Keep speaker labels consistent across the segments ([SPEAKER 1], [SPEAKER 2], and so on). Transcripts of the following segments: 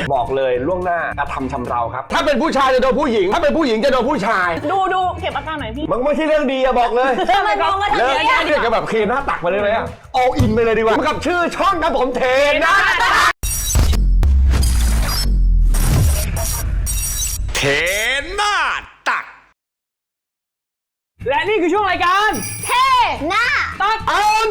[SPEAKER 1] บอกเลยล่วงหน้ากระทำชำเราครับถ้าเป็นผู้ชายจะโดนผู้หญิงถ้าเป็นผู้หญิงจะโดนผู้ชาย
[SPEAKER 2] ดูเก็บอาการหน่อยพี่
[SPEAKER 1] มันไม่ใช่เรื่องดีอะบอกเลย
[SPEAKER 2] ทำไมมองมาทางนี้
[SPEAKER 1] เรียกกันแบบเคหน้าตักมาเลยไหมอะall inไปเลยดีกว่ากับชื่อช่องครับผมเทน่าเทน่าตัก
[SPEAKER 3] และนี่คือช่วงรายการ
[SPEAKER 2] เท่หน้า
[SPEAKER 3] ตัก
[SPEAKER 1] เอาดู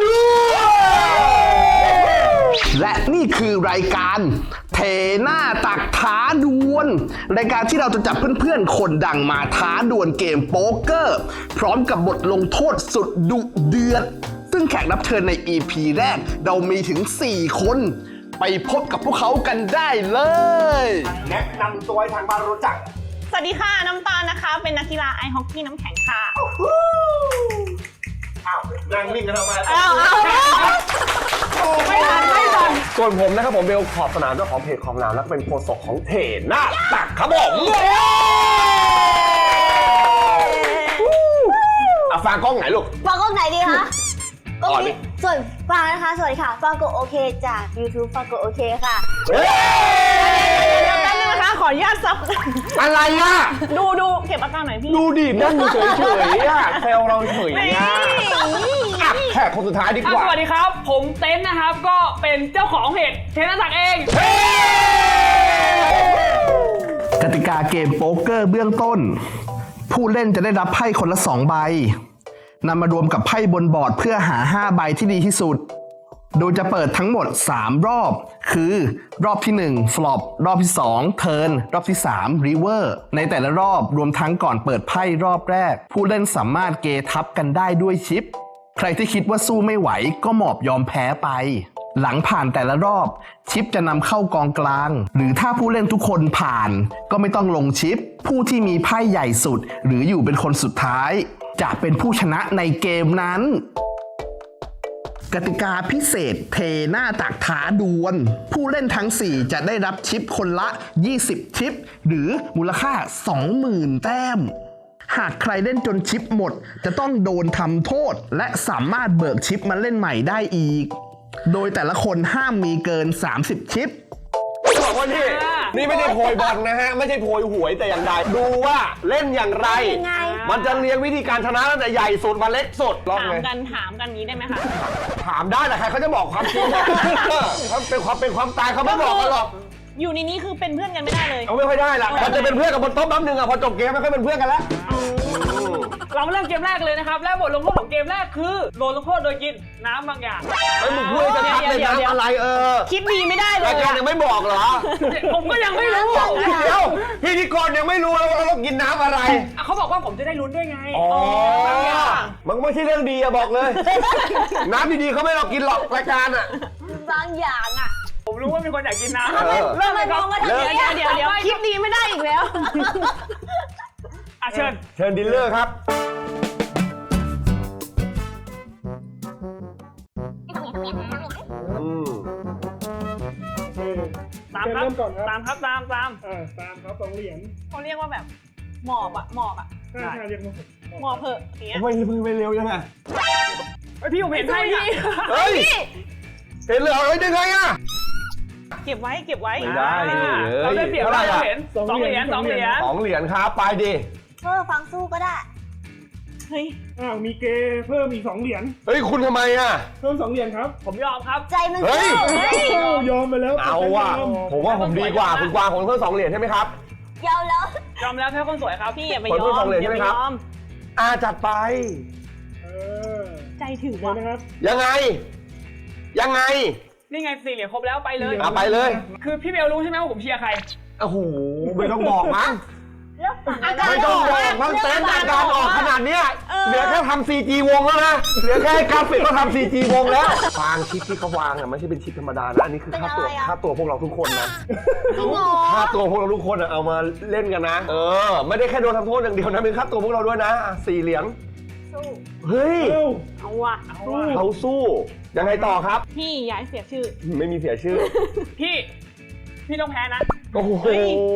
[SPEAKER 4] และนี่คือรายการเทหน้าตักท้าดวลรายการที่เราจะจับเพื่อนๆคนดังมาท้าดวลเกมโป๊กเกอร์พร้อมกับบทลงโทษสุดดุเดือดซึ่งแขกรับเชิญใน EP แรกเรามีถึง4คนไปพบกับพวกเขากันได้เลย
[SPEAKER 1] แนะนำตัวให้ทางบ้านรู้จัก
[SPEAKER 2] สวัสดีค่ะน้ำตาลนะคะเป็นนักกีฬาไอฮอกกี้น้ำแข็งค่ะ
[SPEAKER 1] อ้าวนั่งนิ่งกันทำไม
[SPEAKER 2] ไม่ทัน
[SPEAKER 1] ส่วนผมนะครับผมเบลขอบสนามเจ้าของเพจของน้ำแล้วก็เป็นโฆษกของเทน่าตักครับผมฟังกล้องไหนลูก
[SPEAKER 5] ฟังกล้องไหนดีคะกล้องนี้ส่วนฟังนะคะสวัสดีค่ะฟังกดโอเคจาก YouTube ฟังกดโอเคค่ะ
[SPEAKER 2] แป๊บนึงนะคะขออนุญาตซับ
[SPEAKER 1] อะไรอ่ะ
[SPEAKER 2] ดูเก็บอาการหน่อยพี่
[SPEAKER 1] ดูดินั่งเฉยๆอ่ะแซวเราเฉยอ่ะแขกคนสุดท้ายดีกว่า
[SPEAKER 3] สวัสดีครับผมเต้นนะครับก็เป็นเจ้าของเพจเทน่าตักเอง
[SPEAKER 4] กติกาเกมโป๊กเกอร์เบื้องต้นผู้เล่นจะได้รับไพ่คนละ2ใบนำมารวมกับไพ่บนบอร์ดเพื่อหา5ใบที่ดีที่สุดโดยจะเปิดทั้งหมด3รอบคือรอบที่1 flop รอบที่2 turn รอบที่3 river ในแต่ละรอบรวมทั้งก่อนเปิดไพ่รอบแรกผู้เล่นสามารถเกทับกันได้ด้วยชิปใครที่คิดว่าสู้ไม่ไหวก็หมอบยอมแพ้ไปหลังผ่านแต่ละรอบชิปจะนำเข้ากองกลางหรือถ้าผู้เล่นทุกคนผ่านก็ไม่ต้องลงชิปผู้ที่มีไพ่ใหญ่สุดหรืออยู่เป็นคนสุดท้ายจะเป็นผู้ชนะในเกมนั้นกติกาพิเศษเทหน้าตักท้าดวลผู้เล่นทั้ง4จะได้รับชิปคนละ20ชิปหรือมูลค่า 20,000 แต้มหากใครเล่นจนชิปหมดจะต้องโดนทำโทษและสามารถเบิกชิปมาเล่นใหม่ได้อีกโดยแต่ละคนห้ามมีเกิน30ชิป
[SPEAKER 1] จะบอกว่านี่ไม่ได้โพยบอลนะฮะไม่ใช่โพยหวยแต่อย่างใดดูว่าเล่นอย่างไรมันจะเรียงวิธีการชนะตั้งแต่ใหญ่สุดมาเล็กสุด
[SPEAKER 2] ถามกันนี้ได้ไหมคะ
[SPEAKER 1] ถามได้แต่ใครเขาจะบอกความจริงเขาเป็นความตายเขาไม่บอกกันหรอก
[SPEAKER 2] อยู่ในนี้คือเป็นเพื่อนกันไม่ได้เลย
[SPEAKER 1] เขาไม่ค่อยได้ละมันจะเป็นเพื่อนกับบนโต๊ะแป๊บนึงอะพอจบเกมไม่ค่อยเป็นเพื่อนกันแล้ว
[SPEAKER 3] เราเริ่มเกมแรกเลยนะครับและบทลงโทษของเกมแรกคือโดนลงโทษโดยกินน้ำบางอย่าง
[SPEAKER 1] มึงพูดจะทักเป็นน้ำอะไร
[SPEAKER 2] คิดดีไม่ได้เลย
[SPEAKER 1] รายการยังไม่บอกเหรอ
[SPEAKER 3] ผมก็ยังไม่รู้
[SPEAKER 1] เดี๋ยวพิธีกรยังไม่รู้แล้วว่าเรากินน้ำอะไร
[SPEAKER 3] เขาบอกว่าผมจะได้ลุ้นด้วยไง
[SPEAKER 1] มันไม่ใช่เรื่องดีอะบอกเลยน้ำดีๆเขาไม่เรากินหรอกรายการอะ
[SPEAKER 5] บางอย่างอะ
[SPEAKER 3] ผมรู้ว่ามีคนอยากกินน้ำ
[SPEAKER 2] เริ่มเลยครับเดี๋ยวคิดดีไม่ได้อีกแล้ว
[SPEAKER 1] เชิญดิลเลอร์ครับ
[SPEAKER 3] ตามครับตาม
[SPEAKER 6] ครับ2 เหรียญ
[SPEAKER 2] เขาเรียกว่าแบบหมอบ
[SPEAKER 6] ใช่เรียก
[SPEAKER 2] หมอบเหอะอย่างเงี้ย
[SPEAKER 1] ไม่เร็วยังไง
[SPEAKER 3] พี่ผมเห็นให้พี่
[SPEAKER 1] เฮ้ยเห็นเลยยังไงอะ
[SPEAKER 2] เก็บไว้
[SPEAKER 1] ไม่ได้
[SPEAKER 3] เราได้เปรียบเราเห็น2 เหรียญ
[SPEAKER 1] ครับไปดิ
[SPEAKER 5] ฟังสู้ก็ได้
[SPEAKER 2] เฮ้ย
[SPEAKER 6] มีเกเพิ่มอีก2 เหรียญ
[SPEAKER 1] เฮ้ยคุณทำไมอะ
[SPEAKER 6] เพิ่ม2 เหรียญครับ
[SPEAKER 3] ผมยอมครับ
[SPEAKER 5] ใจมันสู้
[SPEAKER 6] ยอมไปแล้ว
[SPEAKER 1] เอาว่ะผมว่าผมดีกว่าคุณกวางผมเพิ่ม2 เหรียญใช่ไหมครับ
[SPEAKER 5] ยอมแล้ว
[SPEAKER 3] แค่คนสวยครับ
[SPEAKER 2] พี่อย่าไปยอม
[SPEAKER 1] 2 เหรียญใช่ไหมครับจัดไป
[SPEAKER 2] ใจถึง
[SPEAKER 6] นะครับ
[SPEAKER 1] ยังไง
[SPEAKER 3] นี่ไง4 เหรียญครบแล้วไปเลย
[SPEAKER 1] ไปเลย
[SPEAKER 3] คือพี่เบลรู้ใช่ไหมว่าผมเชียร์ใคร
[SPEAKER 1] โอ้โหไม่ต้องบอกมั้งไม่ต้องบอกมั้งเต้นอาการออกขนาดนี้เหลือแค่ทำ CG วงแล้วนะเหลือแค่กราฟิกก็ทำ CG วงแล้ววางชิปที่เขาวางไม่ใช่เป็นชิปธรรมดานะอันนี้คือค่าตัวพวกเราทุกคนนะค่าตัวพวกเราทุกคนเอามาเล่นกันนะไม่ได้แค่โดนทำโทษอย่างเดียวนะเป็นค่าตัวพวกเราด้วยนะ4 เหรียญเฮ้ย
[SPEAKER 2] เอาว่ะ
[SPEAKER 1] เขาสู้ยังไงต่อครับ
[SPEAKER 2] พี่อย่าให้เสียชื่อ
[SPEAKER 1] ไม่มีเสียชื่อ
[SPEAKER 3] พี่ต้องแพ้นะ
[SPEAKER 1] โอ้โห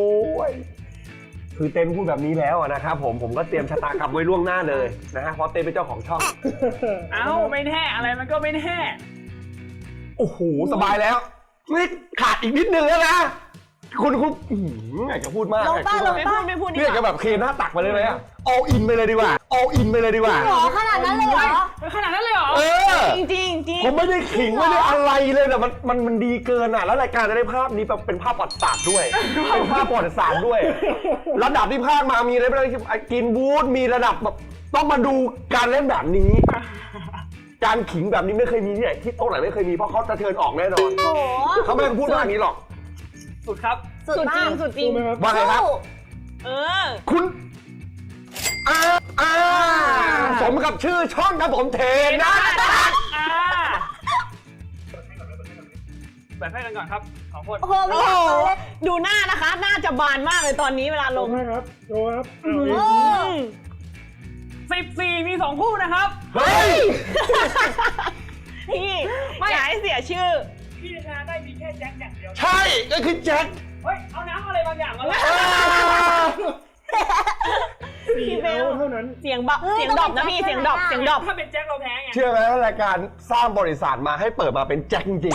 [SPEAKER 1] คือเต้นพูดแบบนี้แล้วนะครับผมก็เตรียมชะตากรรมไว้ล่วงหน้าเลยนะฮะเพราะเต้นเป็นเจ้าของช่อง
[SPEAKER 3] ไม่แน่อะไรมันก็ไม่แน่
[SPEAKER 1] โอ้โหสบายแล้วนี่ขาดอีกนิดนึงแล้วนะคุณอยากจะพูดมาก
[SPEAKER 5] ลงป้าลงป้า
[SPEAKER 2] ไม่พูดดี
[SPEAKER 1] เรียก
[SPEAKER 2] ก
[SPEAKER 1] จะ
[SPEAKER 2] ว่า
[SPEAKER 1] แบบเคหน้าตักไปเลยไหมall in ไปเลยดีกว่า all in ไปเลยดีกว่า
[SPEAKER 5] หรอขนาดนั้นเลยเหรอ
[SPEAKER 3] ขนาดนั้นเลยเหรอ
[SPEAKER 1] เออ
[SPEAKER 2] จริงจริงจริง
[SPEAKER 1] ผมไม่ได้ขิงไม่ได้อะไรเลยแต่มันดีเกินอ่ะแล้วรายการจะได้ภาพนี้เป็นภาพประวัติศาสตร์ด้วยเป็นภาพประวัติศาสตร์ด้วย ระดับที่ภาคมามีอะไรบ้างกินบูธมีระดับแบบต้องมาดูการเล่นแบบนี้ การขิงแบบนี้ไม่เคยมีที่ไหนที่โต๊ะไหนไม่เคยมีเพราะเขาจะเทิร์นออกแน่นอน
[SPEAKER 5] โอ้โห
[SPEAKER 1] เขาไม่พูดว่าอย่างนี้หรอก
[SPEAKER 3] สุดครับ
[SPEAKER 5] สุด
[SPEAKER 2] สุด
[SPEAKER 5] มา
[SPEAKER 2] จริ
[SPEAKER 5] ก
[SPEAKER 2] งสุดจริง
[SPEAKER 6] รู้ไหมครับ
[SPEAKER 1] ว่าไงครับ
[SPEAKER 2] เออ
[SPEAKER 1] คุณสมกับชื่อช่องครับผมเทนะ
[SPEAKER 3] แบบให้กันก่อนครับสองคน
[SPEAKER 5] โอ้โหไม่
[SPEAKER 2] โอ้
[SPEAKER 5] อยาก
[SPEAKER 2] โห
[SPEAKER 5] เลย
[SPEAKER 2] ดูหน้านะคะ หน้าจะบานมากเลยตอนนี้เวลาล
[SPEAKER 6] ล
[SPEAKER 2] ง
[SPEAKER 6] งให้ครับโชว์ครับ
[SPEAKER 5] โอ้
[SPEAKER 3] 14 มี 2 คู่นะครับ
[SPEAKER 1] เฮ้ย
[SPEAKER 2] พี่อย่าให้เสียชื่อ
[SPEAKER 3] พี่ชนะได้มีแค่แจ็คอย่างเดียว
[SPEAKER 1] ใช่ก็คือแจ็ค
[SPEAKER 3] เฮ้ย เอาน้ำอะไรบางอย่างมาเลย
[SPEAKER 6] 4 เอาเท่านั้น
[SPEAKER 2] เสียงดรอปนะพี่เสียงดรอปเสียงดรอป
[SPEAKER 3] ถ้าเป็นแจ็คเราแพ้ไง
[SPEAKER 1] เชื่อไหมว่ารายการสร้างบริษัทมาให้เปิดมาเป็นแจ็คจริง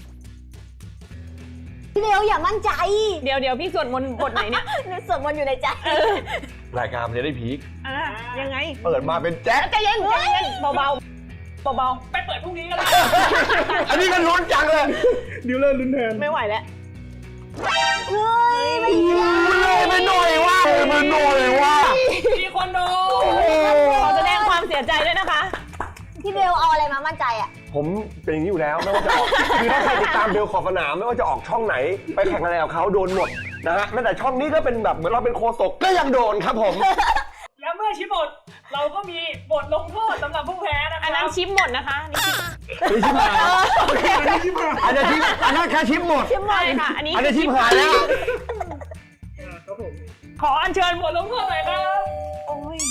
[SPEAKER 5] พี่เบลอย่ามั่นใจ
[SPEAKER 2] เดี๋ยวพี่สวดมนต์บทไหนเนี่ย
[SPEAKER 5] นึกสวดมนต์อยู่ในใจ
[SPEAKER 1] ๆรายการมันจะได้พีค
[SPEAKER 2] ยังไง
[SPEAKER 1] เปิดมาเป็นแจ็ค
[SPEAKER 2] ใจเย็นเบาเบา
[SPEAKER 3] ไปเปิดพรุ่งนี้ก็ได้
[SPEAKER 1] อันนี้ก็ลุ้นจังเลย
[SPEAKER 6] ดิวเลอร์ลุ้นแทน
[SPEAKER 2] ๆไม่ไหวแล้ว
[SPEAKER 5] เฮ้ยไม่
[SPEAKER 1] เลยไม่หน่อยว่าไม่หน่อยว่า
[SPEAKER 3] มีคนโดน
[SPEAKER 2] ขอแสดงความเสียใจด้วยนะคะ
[SPEAKER 5] พี่เบลเอาอะไรมามั่นใจอ่ะ
[SPEAKER 1] ผมเป็นอย่างนี้อยู่แล้วไม่ว่าจะออกคือถ้าใครติดตามเบลขอบสนามไม่ว่าจะออกช่องไหน ไปแข่งอะไรกับเขาโดนหมดนะฮะแม้แต่ช่องนี้ก็เป็นแบบเหมือนเราเป็นโคศกก็ยังโดนครับผม
[SPEAKER 3] แล้วเมื่อชิปบทเราก็มีบทลงโทษสำหรับผู้แพ้นะค
[SPEAKER 2] อัน
[SPEAKER 3] รั
[SPEAKER 2] นั้น
[SPEAKER 3] บ
[SPEAKER 2] ชิปหมดนะคะนี่ชิป
[SPEAKER 1] นี่ชิบหายอันนั้นแค่ชิปหมด
[SPEAKER 2] ชิปหมดค่ะ อันนี้
[SPEAKER 1] อันนี้ชิปหายแล้ว
[SPEAKER 6] ครับผม
[SPEAKER 2] ขออัญเชิญ
[SPEAKER 3] บทลงโทษหน่อยครับ
[SPEAKER 2] โอ้ย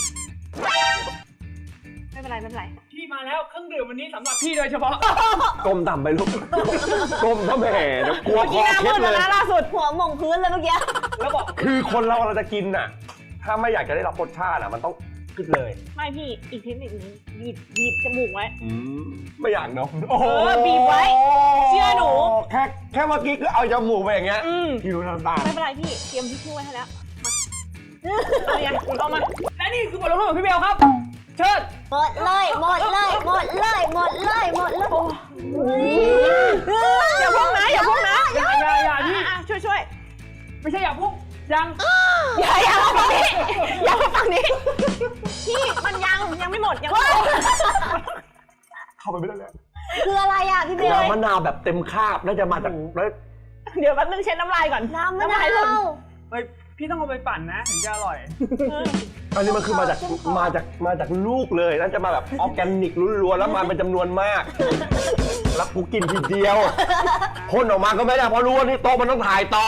[SPEAKER 2] ไม่เป็นไรไม่เป็นไร
[SPEAKER 3] พี่มาแล้วเครื่องดื่มวันนี้สำหรับพี่โดยเฉพาะ
[SPEAKER 1] ก้มต่ำไปลูกก้มถ้าแหม่เดี๋ยวกลัว
[SPEAKER 2] เมื่อ
[SPEAKER 1] ค
[SPEAKER 2] กี้
[SPEAKER 1] อ
[SPEAKER 2] หน้า
[SPEAKER 1] เคล็ดเลย
[SPEAKER 2] มืดแล้วนะล่าสุด
[SPEAKER 5] หัวหม่งพื้นเลยเมื่อกี้
[SPEAKER 3] แล้วบอก
[SPEAKER 1] คือคนเราจะกินน่ะ ถ้าไม่อยากจะได้รับรสชาติอ่ะมันต้องขึ้นเลย
[SPEAKER 2] ไม่พี่อีกเทคนิคนึงบีบจมูกไว้
[SPEAKER 1] ไม่อยากเนาะโอ้โห
[SPEAKER 2] บีบไว้เชื่อหนู
[SPEAKER 1] แค่เมื่อกี้ก็เอาจมูกไปอย่างเงี้ย
[SPEAKER 2] อืม
[SPEAKER 1] พี่รู้น้ำตาล
[SPEAKER 2] ไม่เป็นไรพี่เตรียมทิชชู่ไว้ให้แล้วมาเอายังเอามา
[SPEAKER 3] และนี่คือบทลงโทษของพี่เบลครับ เชิญ
[SPEAKER 5] หมดเลยหมดเลยหมดเลยหมดเลยหมดเลย
[SPEAKER 2] อย่าพุ่งนะอย่าพุ่งนะ
[SPEAKER 3] อย่าพี่
[SPEAKER 2] ช่วย
[SPEAKER 3] ไม่ใช่อย่าพุ่งยัง
[SPEAKER 2] อย่ามาฝั่งนี้อย่ามาฝั่งนี้พี่มันยังไม่หมดยังไม่หมด
[SPEAKER 1] เข้าไปไม่ได้แล้ว
[SPEAKER 5] คืออะไรอ่ะพี่เบล
[SPEAKER 1] น้ำมะนาวแบบเต็มคาบน่าจะมาจากแล้ว
[SPEAKER 2] เดี๋ยวแป๊บนึงเช็ดน้ำลายก่อน
[SPEAKER 5] น้ำมะนา
[SPEAKER 2] ลายหล่น
[SPEAKER 5] ว
[SPEAKER 3] เฮ้ยพี่ต้องเอาไปปั่นนะถึงจะอร่อย
[SPEAKER 1] อันนี้มันคือมาจากลูกเลยน่าจะมาแบบออร์แกนิกล้วนๆแล้วมาเป็นจำนวนมาก แล้วกูกินทีเดียวพ่นออกมาก็ไม่ได้เพราะรู้ว่านี่โต๊ะมันต้องถ่ายต่อ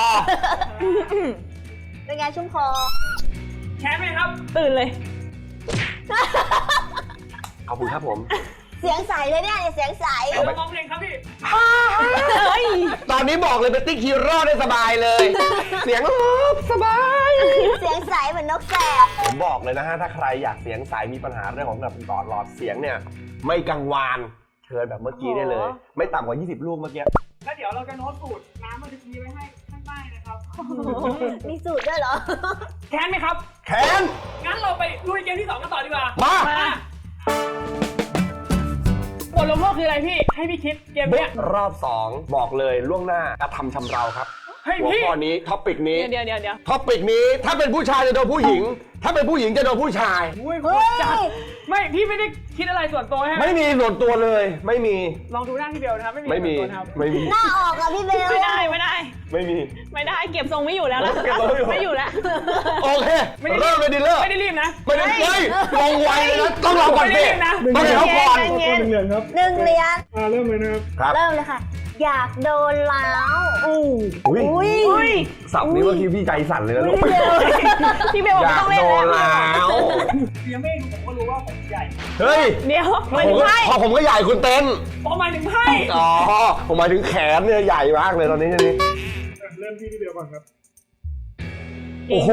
[SPEAKER 5] เป็นไงชุ่มคอ
[SPEAKER 3] แชมป์ไหมครับ
[SPEAKER 2] ตื่นเลย
[SPEAKER 1] ขอบคุณครับผม
[SPEAKER 5] เสียงใสเลยเนี่ยเสียงใส
[SPEAKER 3] เดี๋ยวเราร้องเพลงครับพี่
[SPEAKER 2] เฮ้ย
[SPEAKER 1] ตอนนี้บอกเลยเป็นติ๊กฮีโร่ได้สบายเลย เสียงสบาย
[SPEAKER 5] เสียงใสเหมือนนกแสก
[SPEAKER 1] ผมบอกเลยนะฮะถ้าใครอยากเสียงใสมีปัญหาเรื่องของแบบหลอดเสียงเนี่ยไม่กังวานเชิญแบบเมื่อกี้ได้เลย ไม่ต่ำกว่า 20 ลูกเมื่อกี้
[SPEAKER 3] แล้วเดี๋ยวเราจะโน้ตสูตรน้ำมันจะมีไว้ให้ข้างใต้นะครับ
[SPEAKER 5] มีสูตรด้วยเหรอ
[SPEAKER 3] แค้นไหมครับ
[SPEAKER 1] แขน
[SPEAKER 3] งั้นเราไปลุยเกมที่ 2 กันต่อดีกว่า
[SPEAKER 1] มา
[SPEAKER 3] บทลงโทษคืออะไรพี่ ให้พี่คิดเกมเนี้ย
[SPEAKER 1] รอบ 2 บอกเลยล่วงหน้ากระทำชำเราครับ
[SPEAKER 3] เฮ้ย
[SPEAKER 1] หัว
[SPEAKER 3] พี่
[SPEAKER 1] ข้อนี้ท็อปิกนี้
[SPEAKER 2] เดี๋ยว
[SPEAKER 1] ท็อปิกนี้ถ้าเป็นผู้ชายจะโดนผู้หญิง ถ้าเป็นผู้หญิงจะโดนผู้ชาย
[SPEAKER 3] อุ้ยโค
[SPEAKER 5] เฮ้
[SPEAKER 3] ตรจัด
[SPEAKER 5] ย
[SPEAKER 3] ไม่พี่ไม่ได้คิดอะไรส่วนตัวใช่ไหม
[SPEAKER 1] ไม่มีส่วนตัวเลยไม่มี
[SPEAKER 3] ลองดูหน้าพี่เบลนะครับ ไม่มี
[SPEAKER 1] ไม่มี
[SPEAKER 3] ส่วนตัวนะครับ
[SPEAKER 1] ไม่มี
[SPEAKER 5] หน้าออกอะพี่เบล
[SPEAKER 2] ไม่ได้
[SPEAKER 1] ไม่มี
[SPEAKER 2] เก็บทรงไม่อยู่แล้วนะ
[SPEAKER 1] เก็บทรงไม่อยู่
[SPEAKER 2] ไม่อยู่แล้ว
[SPEAKER 1] โอเคเริ่มเลยดีเลอร์
[SPEAKER 3] ไม่ได้รีบนะ
[SPEAKER 1] ไม่ได้เฮ้ยลงไวเลยนะต้องรอก่อนสิ
[SPEAKER 3] ไม่ได้นะ
[SPEAKER 1] ต้องให้เขาก่อน
[SPEAKER 6] ขอตัว1 เหรียญครับ
[SPEAKER 5] 1 เหรียญ
[SPEAKER 6] เริ่มเลยนะครับ
[SPEAKER 1] ครับ
[SPEAKER 5] เริ่มเลยค่ะ อยากโดนล้าว
[SPEAKER 1] อุ้ย
[SPEAKER 5] อุ้ย
[SPEAKER 1] สับนี้เมื่อกี้พี่ใจสั่นเลยนะลูก
[SPEAKER 2] พี่เบลบอก
[SPEAKER 1] อ
[SPEAKER 2] ไม่
[SPEAKER 1] ยา
[SPEAKER 2] ต้
[SPEAKER 1] ก
[SPEAKER 2] องเล่น
[SPEAKER 1] โดน
[SPEAKER 2] แล้ว
[SPEAKER 1] แล้ว
[SPEAKER 3] ยังไม่ดูผมก็รู้ว่าผมใหญ่
[SPEAKER 1] เฮ้ย
[SPEAKER 2] เดี๋ยว
[SPEAKER 1] ผ
[SPEAKER 2] ไม่
[SPEAKER 1] ม
[SPEAKER 2] ใช่
[SPEAKER 1] พอผมก็ใหญ่คุณเต้น
[SPEAKER 3] พอมาถึงไพ่
[SPEAKER 1] อ๋อผมหมายถึงแขนเนี่ยใหญ่มากเลยตอนนี้นี่
[SPEAKER 6] เริ่มที่พี่เบลก่อนครับ
[SPEAKER 1] โอ้โห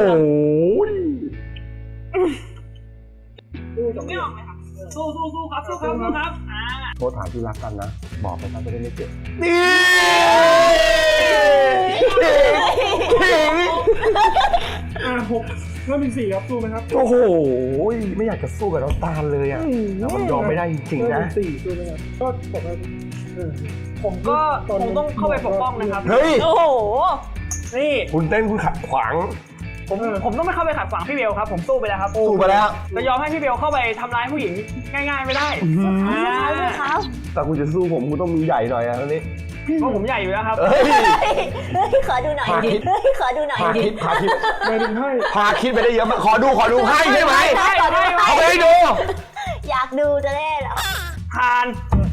[SPEAKER 6] ตู้2 เห
[SPEAKER 3] ไม่
[SPEAKER 6] รีย
[SPEAKER 3] อ
[SPEAKER 6] ญ
[SPEAKER 3] อกไหมครับสู้ครับสู้ครับ
[SPEAKER 1] โทษถามที่รักกันนะ บอกไปซะจะได้ไม่เจ็บนี่
[SPEAKER 6] 6 เริ่มที่4ครับสู้ไหมครับ
[SPEAKER 1] โอ้โหไม่อยากจะสู้กับน้องตาลเลยอ่ะแล้วมันยอมไม่ได้จริงๆ
[SPEAKER 6] เริ่
[SPEAKER 1] นะ
[SPEAKER 6] มที่4สู้ไหมครับก็ปกติผม
[SPEAKER 3] ก็คงต้องเข้าไปปกป้องนะครับ
[SPEAKER 1] เฮ้ย
[SPEAKER 2] โอ้โห
[SPEAKER 3] นี่
[SPEAKER 1] คุณเต้นคุณขัดขวาง
[SPEAKER 3] ผมต้องไม่เข้าไปขัดขวางพี่เบลครับ ผมสู้ไปแล้วครับ
[SPEAKER 1] สู้มาแล้ว
[SPEAKER 3] จะยอมให้พี่เบลเข้าไปทำร้ายผู้หญิงง่ายๆไม่ได้อ่า
[SPEAKER 1] แต่คุณจะสู้ผมคุณต้องมีใหญ่หน่อยอ่ะตอนนี้
[SPEAKER 3] เพราะผมใหญ่อยู่แล้วครับ
[SPEAKER 1] เฮ้ย
[SPEAKER 5] เฮ้ยขอดูหน่อย
[SPEAKER 1] พาคิด
[SPEAKER 5] เฮ้ยขอดูหน่อย
[SPEAKER 1] พาคิด
[SPEAKER 6] ไม่ดึงให้
[SPEAKER 1] พาคิดไปได้เยอะมากขอดูให้ใช่ไหม
[SPEAKER 3] ใช่
[SPEAKER 1] เอาไปให้ดู
[SPEAKER 5] อยากดูจะได้เหรอ
[SPEAKER 3] ผ่าน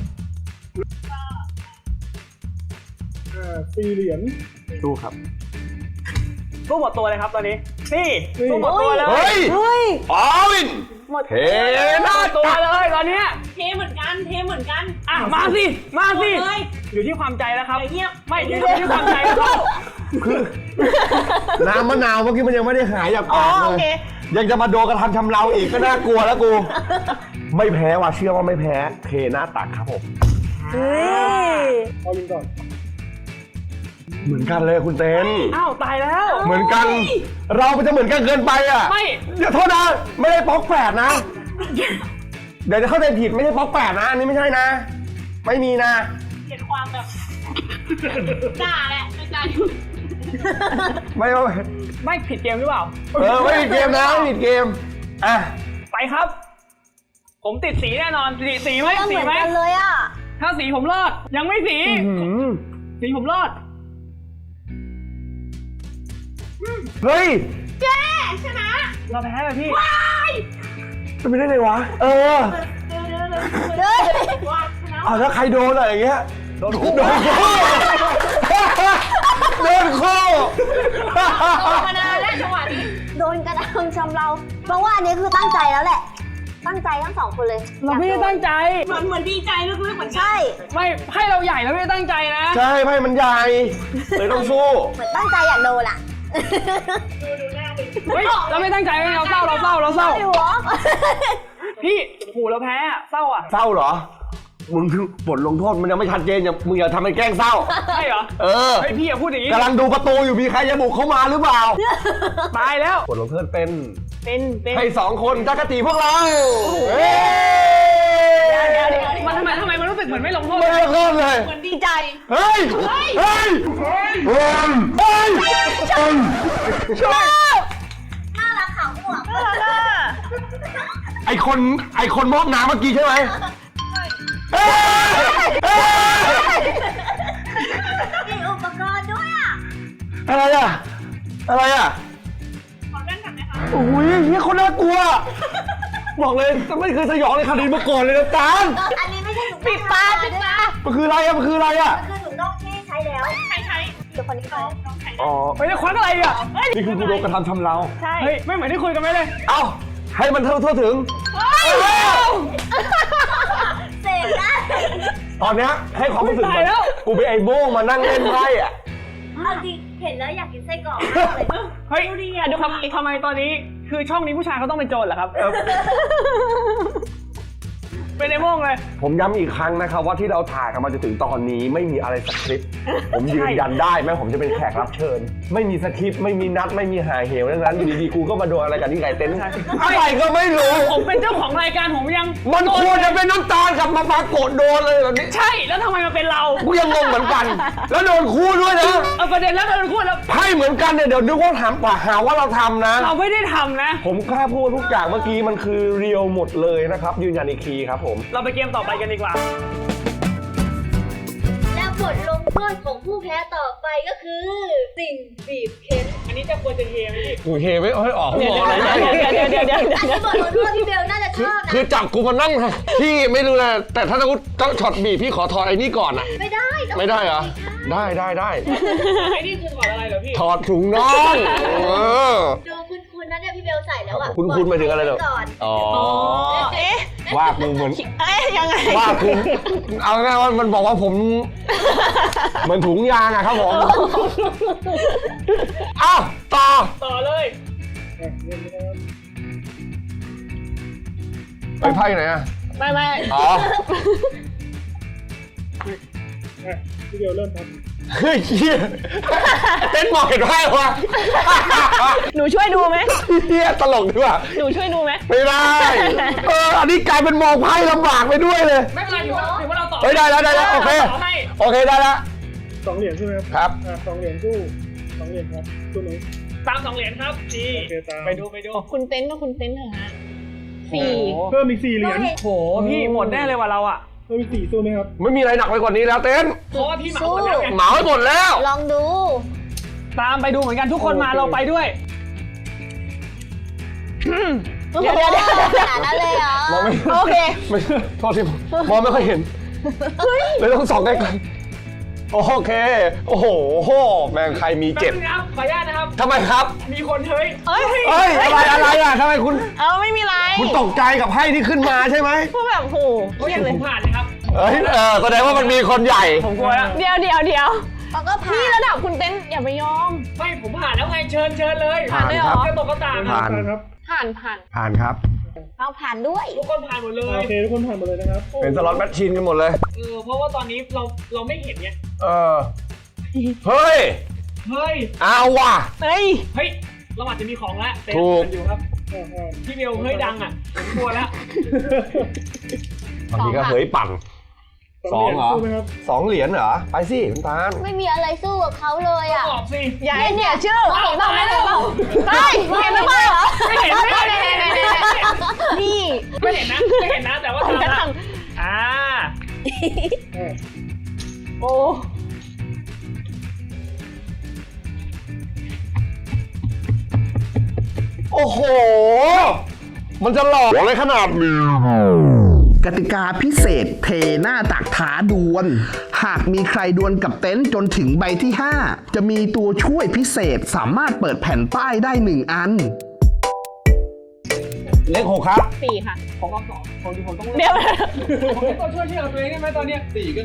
[SPEAKER 6] 4 เหรียญ
[SPEAKER 1] สู้ครับ
[SPEAKER 3] สู้หมดตัวเลยครับตอนนี้ นี่สู้หมดตัวเลย
[SPEAKER 1] เฮ้ย
[SPEAKER 5] เฮ้ย
[SPEAKER 1] อวิน
[SPEAKER 3] หมด
[SPEAKER 1] เฮ้ย
[SPEAKER 3] หน้าตัวเลยตอนเนี้ย
[SPEAKER 2] เทเหมือนกัน
[SPEAKER 3] อ่ะมาสิมาสิ
[SPEAKER 2] เลย
[SPEAKER 3] อยู่ที่ความใจแล้วครับ
[SPEAKER 2] เงียบ
[SPEAKER 3] ไม่อยู่ที่ความใจแล้ว
[SPEAKER 1] น้ำมะนาวเมื่อกี้มันยังไม่ได้หายจาก
[SPEAKER 2] อ๋อ
[SPEAKER 1] ปาก
[SPEAKER 2] โอ
[SPEAKER 1] เล
[SPEAKER 2] เค
[SPEAKER 1] ยยังจะมาโดนกระทำชำเราอีกก็น่ากลัวแล้วกู ไม่แพ้ว่ะเชื่อว่าไม่แพ้เทหน้าตักครับผม
[SPEAKER 5] เฮ้ย
[SPEAKER 6] เอาลิงก่อน
[SPEAKER 1] เหมือนกันเลยคุณเต้น
[SPEAKER 3] อ้าวตายแล้ว
[SPEAKER 1] เหมือนกัน เรามันจะเหมือนกันเกินไปอ่ะ
[SPEAKER 3] ไม่
[SPEAKER 1] เดี๋ยวโทษนะไม่ได้ป๊อกแปดนะ เดี๋ยวจะเข้าใจผิดไม่ใช่ป๊อกแปดนะอันนี้ไม่ใช่นะ ไม่มีนะ
[SPEAKER 2] เกลียดความแบบด่าแหละไม่ด่า
[SPEAKER 1] ไม่
[SPEAKER 3] ไม่ผิดเกมหรือเปล่า
[SPEAKER 1] ไม่ผิดเกมนะไม่ผิดเกมอ่ะ
[SPEAKER 3] ไปครับ ผมติดสีแน่นอนสีไหม
[SPEAKER 5] ก็เห
[SPEAKER 3] สี
[SPEAKER 5] มือน
[SPEAKER 3] ไหม
[SPEAKER 5] กันเลยอ่ะ
[SPEAKER 3] ถ้าสีผมรอดยังไม่สีสีผมรอด
[SPEAKER 1] เฮ้ย
[SPEAKER 2] ชนะ
[SPEAKER 3] เราแพ้เลยพี่
[SPEAKER 1] จะไปได้ไงวะเออ
[SPEAKER 5] เฮ้ย
[SPEAKER 2] ว่าชนะ
[SPEAKER 1] เอาแล้วใครโดนอะไรอย่างเงี้ยโดนคู่โดนคู่โดนคู่
[SPEAKER 2] มานานแล้วจังหวะนี้
[SPEAKER 5] โดนกระทำชำเราเพราะว่าอันนี้คือตั้งใจแล้วแหละ ตั้งใจทั้งสองคนเลย
[SPEAKER 3] เราไม่ได้ตั้งใจ
[SPEAKER 2] เหมือนดีใจลึกๆเหมือนกัน
[SPEAKER 5] ใช่
[SPEAKER 3] ไม่ให้เราใหญ่เราไม่ได้ตั้งใจนะ
[SPEAKER 1] ใช่ไพ่มันใหญ่เลยต้องสู้
[SPEAKER 5] เหมือนตั้งใจอยากโดนอ่ะ
[SPEAKER 2] ดูหน้าดิ
[SPEAKER 3] เฮ้ยเราไม่ตั้งใจเราเศร้า
[SPEAKER 5] ไม่หัว
[SPEAKER 3] พี่หูเราแพ้อะเศร้าอ่ะ
[SPEAKER 1] เศร้าเหรอ มึงคือบทลงโทษมันยังไม่ชัดเจนมึงอย่าทำเป็นแกล้งเศร้า
[SPEAKER 3] ใช่เหรอ
[SPEAKER 1] เออ
[SPEAKER 3] เฮ้ยพี่อย่าพูดอย่างนี้
[SPEAKER 1] กำลังดูประตูอยู่มีใครจะบุกเข้ามาหรือเปล่า
[SPEAKER 3] ตายแล้ว
[SPEAKER 1] บทลงโทษเป็น
[SPEAKER 3] เป็น
[SPEAKER 1] ให้สองคนจักรตีพวกเราเฮ้
[SPEAKER 3] มันทำไมมันรู้สึกเหมือนไม่ลงโทษ
[SPEAKER 1] ไม่ลงโทษเลย
[SPEAKER 2] เหมือนดีใจ
[SPEAKER 1] เฮ้ย เฮ้ย เฮ้ย เฮ้ยชอบ
[SPEAKER 5] น่ารักขาวหัว
[SPEAKER 1] ไอคนมอบน้ำเมื่อกี้ใช่ไหมเฮ้ยเฮ้ย
[SPEAKER 5] มีอุปกรณ์ด้วยอ่ะ
[SPEAKER 1] อะไรอ่ะ อะไรอ่ะ
[SPEAKER 2] ขอเล่นกันไหมคะ
[SPEAKER 1] โอ้ยเฮียคนน่ากลัว บอกเลยไม่เคยสยองในคดีมาก่อนเลยนะจาน
[SPEAKER 5] อันนี้ไม่ใช่ถุง
[SPEAKER 2] ปิดตาปิดตา
[SPEAKER 1] มันคืออะไรอ่ะ มันคืออะไรอ่ะ
[SPEAKER 5] คือถุงน่องที่ใช้แล้ว
[SPEAKER 2] ใช้
[SPEAKER 5] เดี๋ยวคนนี้เขา
[SPEAKER 1] อ๋อ
[SPEAKER 3] ไปจะควักอะไรอ่ะ
[SPEAKER 1] นี่คือกูโดนกระทำชำเรา
[SPEAKER 2] ใช่
[SPEAKER 3] เฮ้ยไม่เหมือนที่คุยกันไหมเลย
[SPEAKER 1] เอ้า ให้มันทั่วถึง
[SPEAKER 5] เสร็จแล้ว
[SPEAKER 1] ตอนเนี้ยให้ความรู้สึก
[SPEAKER 3] ตายแล้ว
[SPEAKER 1] กูเป็นไอ้โบ้งมานั่งเล่นไพ่อ่ะ
[SPEAKER 5] เอาจริงเห็นแล้วอยากกินไส้กรอกมากเลย
[SPEAKER 3] เฮ้ยทำไมตอนนี้คือช่องนี้ผู้ชายเขาต้องเป็นโจรเหรอครับ เป็นไอ้โม่งเลย
[SPEAKER 1] ผมย้ำอีกครั้งนะครับว่าที่เราถ่ายกันมาจนถึงตอนนี้ไม่มีอะไรสคริปต์ ผมยืนยันได้แม้ผมจะเป็นแขกรับเชิญ ไม่มีสคริปต์ไม่มีนัดไม่มีหาเหวดังนั้นอยู่ดีๆกูก็มาโดนอะไรกันที่ไก่เต็นท์อะไรก็ไม่รู้
[SPEAKER 3] ผมเป็นเจ้าของรายการผมยัง
[SPEAKER 1] มันควรจะเป็นน้ำตาลกับมาปรากฏโดนเลยแบบนี้
[SPEAKER 3] ใช่แล้วทำไมมาเป็นเรา
[SPEAKER 1] กูยังงงเหมือนกัน แล้วโดนคู่ด้วยนะ
[SPEAKER 3] เอาประเด็นแล้วเราพูดแล้ว
[SPEAKER 1] ไพ่เหมือนกันเนี่ยเดี๋ยวนึกว่าถามหาว่าเราทำนะ
[SPEAKER 3] เราไม่ได้ทำนะ
[SPEAKER 1] ผมกล้าพูดทุกอย่างเมื่อกี้มันคือเรียวหมดเลยนะครับยืนยันอีกทีครับผม
[SPEAKER 3] เราไปเกมต่อไปกันดีกว่า
[SPEAKER 5] และบทลงโทษของผู้แพ้ต่อไปก็คือ สิ่งบีบเค้น
[SPEAKER 3] อันนี้จะควรจะเฮไหมพี่
[SPEAKER 1] กูเฮไม่เฮ้ยออกหัวอะไร
[SPEAKER 5] อันนี้บทลงโทษที่เบลน่าจะชอบนะ
[SPEAKER 1] คือจับกูมานั่งพี่ไม่รู้นะแต่ถ้าต้องช็อตบีบพี่ขอถอดไอ้นี่ก่อนอะ
[SPEAKER 5] ไม่ได้ต้อง
[SPEAKER 1] ไม่ได้เหรอ ได้
[SPEAKER 3] ไอ้นี่คือถอดอะไรเหรอพี่
[SPEAKER 1] ถอดถุงน่องเออ
[SPEAKER 5] ดูคุณนะเนี่ยพี่เบลใส่แล้วอ่ะ
[SPEAKER 1] คุณหมายถึงอะไรเหรอ
[SPEAKER 5] ก่อน
[SPEAKER 1] อ๋อ
[SPEAKER 2] เอ๊ะ
[SPEAKER 1] ว่ากูเหมือน
[SPEAKER 2] เอ๊ะยังไง
[SPEAKER 1] ว่าคุณเอาง่ายๆว่ามันบอกว่าผมเหมือนถุงยางอะครับผมอ้าวต่อ
[SPEAKER 3] เลย
[SPEAKER 1] ไปไพ่ไหนอะ
[SPEAKER 3] ไม่
[SPEAKER 1] อ๋อ
[SPEAKER 6] พี่เดียวเริ่มครับ
[SPEAKER 1] เฮ้ยเหี้ยเต้นมองเห็นไพ่วะ
[SPEAKER 2] หนูช่วยดูไหม
[SPEAKER 1] เฮียตลกดีว่ะ
[SPEAKER 2] หนูช่วยดูไหม
[SPEAKER 1] ไม่ได้อันนี้กลายเป็นมองไพ่ลำบากไปด้วยเลย
[SPEAKER 3] ไม่เป็นไรถือว่าเราตอบ
[SPEAKER 1] เฮ้ยได้แล้วโอเค
[SPEAKER 3] ตอบให้
[SPEAKER 1] โอเคได้แล้ว
[SPEAKER 6] 2 เหรียญใช่ไหมครับ
[SPEAKER 1] ครับ
[SPEAKER 6] 2 เหรียญสู้2 เหรียญครับสู้นี้
[SPEAKER 3] ตาม2 เหรียญครับนี่
[SPEAKER 6] โอเคตาม
[SPEAKER 3] ไปดู
[SPEAKER 2] คุณเต้นก็คุณเต้นเถอะฮะสี่
[SPEAKER 6] เพิ่มอีก4 เหรียญ
[SPEAKER 3] โหพี่หมดแน่เลยว่ะเราอ่ะ
[SPEAKER 6] เพิ่มอีก4สู้ไหมครับ
[SPEAKER 1] ไม่มีอะไรหนักไปกว่านี้แล้วเต้น
[SPEAKER 3] เพราะว่าพี่เหมาหมดแล้วไง
[SPEAKER 1] เหมาให้หมดแล้ว
[SPEAKER 5] ลองดู
[SPEAKER 3] ตามไปดูเหมือนกันทุกคนมาเราไปด้วย
[SPEAKER 2] เดี๋ยว
[SPEAKER 5] ขนาดนั้นเลยเหรอ
[SPEAKER 1] มองไม่
[SPEAKER 2] โอเค
[SPEAKER 1] ไม่โทษทีมองไม่ค่อยเห็นเลยต้องส่องใกล้ๆโอเคโอ้โหแม่งใครมีเจ็บ
[SPEAKER 3] แป๊บนึงนะครับขออนุญาตนะครับ
[SPEAKER 1] ทำไมครับ
[SPEAKER 3] มีคนเฮ้ย
[SPEAKER 2] เอ้ย
[SPEAKER 1] เอ้ยอะไรอ่ะทำไมคุณ
[SPEAKER 2] ไม่มีไร
[SPEAKER 1] คุณตกใจกับไพ่ที่ขึ้นมาใช่ไหม
[SPEAKER 2] พวกแบบโหเครียด
[SPEAKER 3] ผ
[SPEAKER 2] เลย
[SPEAKER 3] มผ่านเลยครับ
[SPEAKER 1] แสดงว่ามันมีคนใหญ่
[SPEAKER 3] ผมกลัวแล้ว
[SPEAKER 2] เดี๋ยว
[SPEAKER 5] เขาก็ผ่า
[SPEAKER 2] นี่
[SPEAKER 5] น
[SPEAKER 2] ระดับคุณเต้นอย่าไปยอม
[SPEAKER 3] ไม่ผมผ่านแล้วไงเชิญเลย
[SPEAKER 1] ผ่าน
[SPEAKER 2] ได้เหรอ
[SPEAKER 3] ก็ตกก็ตาม
[SPEAKER 1] ผ่าน
[SPEAKER 6] ครับ
[SPEAKER 2] ผ่าน
[SPEAKER 1] ผ่านครับ
[SPEAKER 5] เอาผ่านด้วย
[SPEAKER 3] ทุกคนผ่านหมดเลย
[SPEAKER 6] โอเคทุกคนผ่านหมดเลยนะครับ
[SPEAKER 1] เป็นสล็อตแมชชีนกันหมดเลย
[SPEAKER 3] เพราะว่าตอนนี้เราไม่เห็นไง
[SPEAKER 1] เฮ้ย
[SPEAKER 3] เฮ้ย
[SPEAKER 1] เอาว่ะ
[SPEAKER 2] เฮ้ย
[SPEAKER 3] เราอาจจะมีของแล้วเต็ม
[SPEAKER 1] ถูก
[SPEAKER 3] อยู่ครับพี่เบลเฮ้ยดังอ่ะผมกลัวแล้ว
[SPEAKER 1] บางทีก็เฮ้ยปั่น
[SPEAKER 6] 2 เหรียญสู้ไหมครับ
[SPEAKER 1] 2 เหรียญเหรอ ไปสิคุณตาล
[SPEAKER 5] ไม่มีอะไรสู้กับเขาเลยอ่ะ
[SPEAKER 3] ตอบสิ
[SPEAKER 2] อย่าให้เนี่ยชื่อ
[SPEAKER 5] เห็นบ้างไหม
[SPEAKER 2] เฮ้ยเห็นหรือเปล่า
[SPEAKER 3] ไม่เห็น
[SPEAKER 2] นี่
[SPEAKER 3] ไม่เห็นนะแต่ว่า
[SPEAKER 2] ผมจะ
[SPEAKER 3] ทำ
[SPEAKER 2] ท
[SPEAKER 3] อ่า
[SPEAKER 2] ำโอ้
[SPEAKER 1] โอ้โห มันจะหลอกอะไรขนาดนี้
[SPEAKER 4] กติกาพิเศษเทหน้าตักท้าดวล หากมีใครดวลกับเต็นท์จนถึงใบที่ 5 จะมีตัวช่วยพิเศษสามารถเปิดแผ่นป้ายได้ 1 อัน
[SPEAKER 1] เลข 6 ครับ
[SPEAKER 2] สี่ค่ะ
[SPEAKER 3] ผมเอาสองผมต้อง
[SPEAKER 2] เดี๋ยว
[SPEAKER 3] ผมต้องช่วยที่เราตัวเองได้ไหมตอนเนี้ย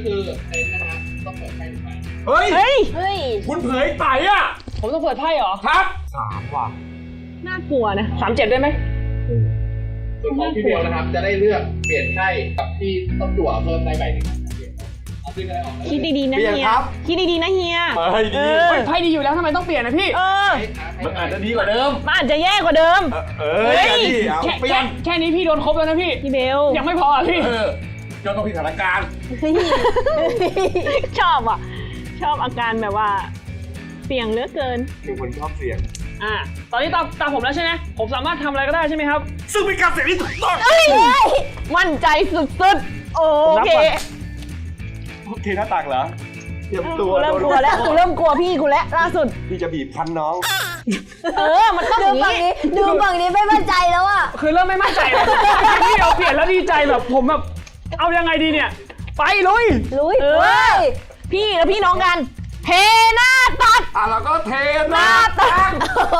[SPEAKER 1] เฮ้ย
[SPEAKER 2] เฮ้ย
[SPEAKER 5] เฮ้ย
[SPEAKER 1] คุณเผยไต่อ่ะ
[SPEAKER 3] ผมต้องเปิดไพ่เหรอ
[SPEAKER 1] ครับ 3 ว่ะ
[SPEAKER 2] น่ากลัวนะ
[SPEAKER 3] 37ได้ไหม
[SPEAKER 7] ส่วนของพี่เบลนะครับ จะได้เลือกเปลี่ยนไพ่กับที่ต้องจั่วเพิ่มได้ใบหนึ่งครับเอาซึ่งอะไรออกแล้ว
[SPEAKER 2] คิดดีๆนะ
[SPEAKER 1] เปลี่ยน
[SPEAKER 2] เฮีย
[SPEAKER 1] ครับ
[SPEAKER 2] คิดดีๆนะเฮีย
[SPEAKER 1] เฮ้ยดี
[SPEAKER 3] ไพ่ดีอยู่แล้วทำไมต้องเปลี่ยนนะพี่
[SPEAKER 1] มันอาจจะดีกว่าเดิม
[SPEAKER 2] มันอาจจะแย่กว่าเดิม
[SPEAKER 1] เฮ้ยดีเอาเปลี่ยน
[SPEAKER 3] แค่นี้พี่โดนครบแล้วนะพี่
[SPEAKER 2] พี่เบล
[SPEAKER 3] ยังไม่พออ่ะพี่
[SPEAKER 1] จนต้องผิดสถานการณ์
[SPEAKER 2] ชอบอ่ะ ชอบอาการแบบว่า เสี่ยงเหลือเกิน
[SPEAKER 1] เป็นคนชอบเสี่ยง
[SPEAKER 3] ตอนนี้ตามผมแล้วใช่ไหมผมสามารถทำอะไรก็ได้ใช่ไหมครับ
[SPEAKER 1] ซึ่งเป็นการเสี่ยงที่ถูกต้อง
[SPEAKER 2] มั่นใจสุดๆ โอเค
[SPEAKER 1] โอเคหน้าตักเหรอเตรียมตัว
[SPEAKER 2] กูเริ่มกลัวแล้วกูเริ่มกลัวพี่กูแล้วล่าสุด
[SPEAKER 1] พี่จะบีบคันน้อง
[SPEAKER 2] มันต้องอ
[SPEAKER 5] ดู
[SPEAKER 2] ย่าง
[SPEAKER 5] ฝั่ง
[SPEAKER 2] นี้
[SPEAKER 5] นี้ดูฝั่งนี้ไม่มั่นใจแล้วอ่ะ
[SPEAKER 3] คือเริ่มไม่มั่นใจเลยพี่เราเปลี่ยนแล้วดีใจแบบผมแบบเอายังไงดีเนี่ย ไปลุย
[SPEAKER 5] ลุย
[SPEAKER 2] เออ พี่แล้วพี่น้องกันเทหน้าตัด
[SPEAKER 1] แล้วก็เท
[SPEAKER 2] หน้าตัด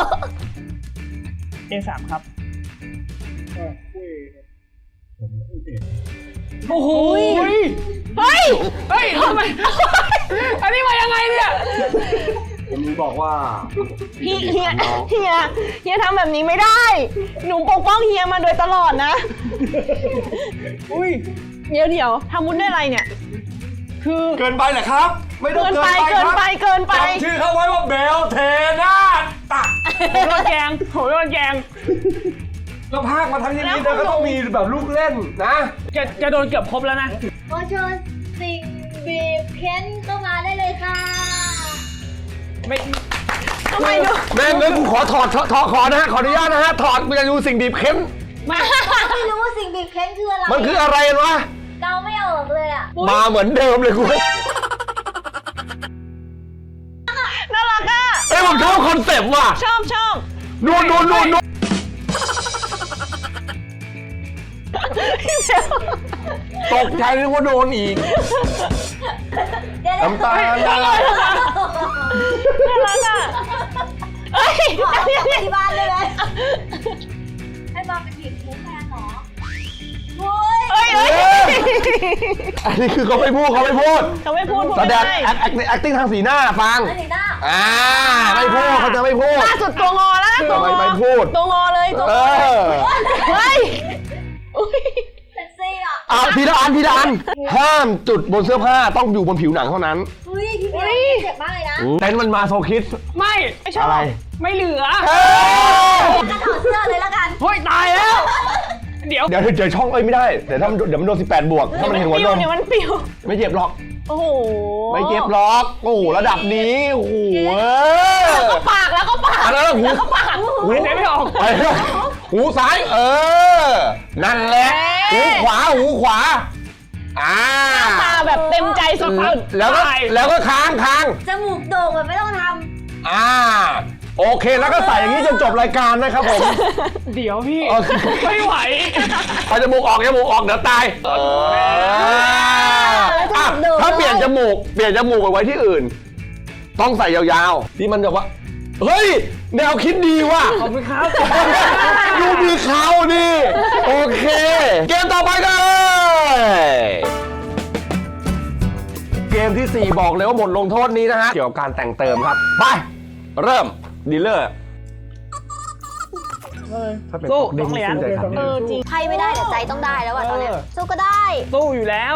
[SPEAKER 3] A3 ครับ
[SPEAKER 6] คู่เอครับ
[SPEAKER 3] โอ้โหเฮ้ยทำไมอันนี้มายังไงเนี่ย
[SPEAKER 1] ผมบอกว่า
[SPEAKER 2] พี่เฮียทำแบบนี้ไม่ได้ หนูปกป้องเฮียมาโดยตลอดนะ เดี๋ยวทำมุ้นได้อะไรเนี่ย คือ
[SPEAKER 1] เกินไปเหรอครับ ไม่ต้อง
[SPEAKER 2] เกิน
[SPEAKER 1] เกิน
[SPEAKER 2] ไป
[SPEAKER 1] ไปครับ
[SPEAKER 2] เกินไป
[SPEAKER 1] จำชื่อเขาไว้ว่าเบลเทนาตัก
[SPEAKER 3] ผมโดนแกง
[SPEAKER 1] แล้วภาคมาทั้งอย่างนี้เธอก็ต้องมีแบบลูกเล่นนะ
[SPEAKER 3] จะโดนเกือบครบแล้วนะ
[SPEAKER 5] ขอเชิญสิ่งบีบเค้นเข้ามาได้เลยค่ะ
[SPEAKER 3] ไม่
[SPEAKER 2] ทำไมดู
[SPEAKER 1] แม่งั้นกูขอถอดขอนะฮะขออนุญาตนะฮะถอดกูจะดูสิ่งบีบเค้น
[SPEAKER 5] ไม่รู้ว่าสิ่งบีบเค้นคืออะไร
[SPEAKER 1] มันคืออะไรวะ
[SPEAKER 5] เดาไม่ออกเลยอ่ะ
[SPEAKER 1] มาเหมือนเดิมเลยกู
[SPEAKER 2] น่ารักอ่ะ
[SPEAKER 1] เอ้ยผมชอบคอนเซปต์ว่ะ
[SPEAKER 2] ชอบ
[SPEAKER 1] นู่นตกใจนึกว่าโดนอีก
[SPEAKER 5] เดี๋ยว
[SPEAKER 1] น้ำตาล
[SPEAKER 2] น่ารักอ่ะเอ้ย
[SPEAKER 5] เอากลับไปที่บ้านเลยไหมให้บอลเป็นบีบเค้นแทนเหรอโว้ย
[SPEAKER 2] เอ้ย
[SPEAKER 1] อันนี้คือเขาไม่พูด
[SPEAKER 2] เขาไม่พูด
[SPEAKER 1] แสดง
[SPEAKER 2] ไม่
[SPEAKER 1] acting ทางสีหน้าฟัง
[SPEAKER 5] อันนี้หน้า
[SPEAKER 1] ไม่พูดเขาจะไม่พูด
[SPEAKER 2] ล่าสุดตัวงอแล้วนะตัวงอ
[SPEAKER 1] ไม่พูด
[SPEAKER 2] ตัวงอเลยตัว
[SPEAKER 1] เอง
[SPEAKER 2] อ
[SPEAKER 1] อ
[SPEAKER 2] เฮ้ยอุ๊ย
[SPEAKER 5] เซ็กซี่อ่ะ
[SPEAKER 1] ทีละอันห้ามจุดบนเสื้อผ้าต้องอยู่บนผิวหนังเท่านั้น
[SPEAKER 5] เฮ้อุ้ยพี่เบลเจ็บมากเลยนะ
[SPEAKER 1] เต้นมันมาโซคิด
[SPEAKER 3] ไม่ชอบ
[SPEAKER 1] อะไร
[SPEAKER 3] ไม่เหลือ
[SPEAKER 5] จะถอดเสื้อเลยละกัน
[SPEAKER 3] เฮ้ยตายแล้ว เดี๋ยว
[SPEAKER 1] เดี๋ยวเจอช่องไม่ได้เดี๋ยวมันโดน18 บวกถ้ามันเห็นหัวนม
[SPEAKER 2] เดี๋ยวมันปิว
[SPEAKER 1] ไม่เจ็บหรอก
[SPEAKER 2] โอ้โห
[SPEAKER 1] ไม่เจ็บหรอกโอ้โหระดับนี้โอ้โห
[SPEAKER 2] ปากแล้วก็ปาก
[SPEAKER 1] อันนั้นหู
[SPEAKER 2] ปาก
[SPEAKER 1] หู
[SPEAKER 3] หายใจไม่ออก
[SPEAKER 1] ไปแล้วหูซ้ายนั่นแหละหูขวา
[SPEAKER 2] ตาแบบเต็มใจสุดๆ
[SPEAKER 1] แล้วก็ค้าง
[SPEAKER 5] จมูกโด่งแบบไม่ต้องท
[SPEAKER 1] โอเคแล้วก็ใส่อย่างนี้จนจบรายการนะครับผม
[SPEAKER 3] เดี๋ยวพี่
[SPEAKER 1] โอเค
[SPEAKER 3] ไม่ไหว
[SPEAKER 1] เอาจมูกออกเดี๋ยวตายถ้าเปลี่ยนจมูกไปไว้ที่อื่น ต้องใส่ยาวๆที่มันแบบว่าเฮ้ยแนวคิดดีว่ะ
[SPEAKER 3] ขอบคุณครับ
[SPEAKER 1] ดูมีเขาดิโอเค เกมต่อไปกันเลยเกมที่ 4 บอกเลยว่าบทลงโทษนี้นะฮะเกี่ยวกับการแต่งเติมครับไปเริ่มดีลเลอร์ถ้าเป็น
[SPEAKER 3] สู้
[SPEAKER 1] เด้
[SPEAKER 3] ต้องเหรียญ
[SPEAKER 1] ใจครับ
[SPEAKER 2] จริง
[SPEAKER 5] ำใครไม่ได้แต่ใจต้องได้แล้วอะตอนเนี้ยสู้ก็ได้
[SPEAKER 3] สู้อยู่แล้ว